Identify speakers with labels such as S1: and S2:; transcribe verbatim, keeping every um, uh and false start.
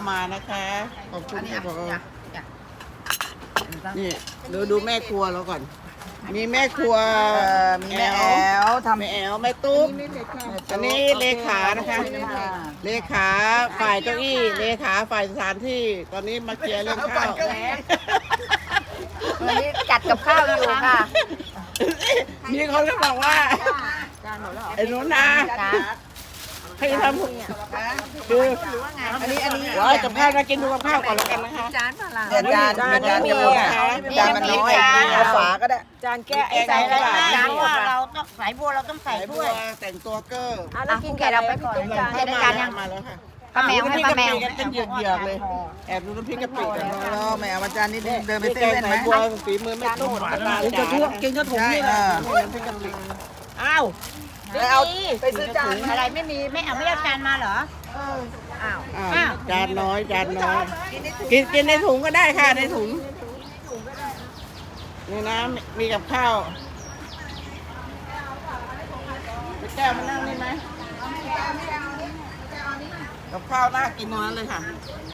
S1: มานะคะขอบคุ
S2: อั
S1: ณ
S2: นนี้
S1: ค่ะ
S2: อ่ะ
S1: ผอ
S2: จ้ะจ้ะ
S1: นี่ดูดูแม่ครัวเราก่อน มีแม่ครัว
S2: เอ่อมีแม่แอลทำ
S1: แม่แอลแม่ตุ๊กอันนี้เลขานะคะ เลขาฝ่ายเก้าอี้เลขาฝ่ายสถานที่ตอนนี้มาเคลียร์เรื่องข้าว
S2: วันนี้จัดกับข้าวอยู่ค่ะ
S1: มีคนก็บอกว่าไอ้หนูนาให้ทำคือ
S2: อันนี้อันนี้
S1: ว่ากับข้าวนะกินดูกับข้าวก่อนแล้วกันนะคะ
S2: จานเปล่าเดี๋ยวจาน
S1: จาน
S2: จาน
S1: มี
S2: จะหมด
S1: ค่ะ
S2: จานมันน้อยเอาฝาก็ได้
S3: จานแก้ไอ้
S1: ใส่
S3: ใส่
S1: อะ
S3: อะไร ไร
S1: บ้าง
S3: จานว่าเราต้องสายบัวเราต้องใส่
S1: ใส่บั
S3: ด้
S1: ว
S3: วย
S1: แต่งตัวเกอร์
S3: อ่ะแล้วกินกับอะไรก่อน
S1: กำลัง
S3: จาน
S1: เข้า
S3: จะได้
S1: มา
S3: จาน
S1: แล้
S3: ยั
S1: ว
S3: ง
S1: มาแล้วค่ะ
S2: ป้าแมวให้ป้าแมว
S1: กันเป็นเหยือกๆเลยแอบดูน้ำพริกกะปิกัน
S2: รอแมวอาจารย์นี่เดินไป
S1: นี่
S2: เซ
S1: แกง
S2: เว่นไห
S1: ไข่
S2: ม
S1: บัวฝีมือไม่ตุ้มหวานตาจ๋ากินกระถุงนี่นะน้ำพริกกะปิ
S3: อ้าว
S2: ไปเอาไปซื้อจาน
S3: อะไรไม่มีไม่เอาไม่เอาจานมาเหรออ้าว
S1: อ่าจานน้อยจานน้อยกินกินในถุงก็ได้ค่ะในถุงนี่นะมีกับข้าวไปแก้วมานั่งนี่ไหมกับข้าวน่ากินตรงนั้นเลยค่ะ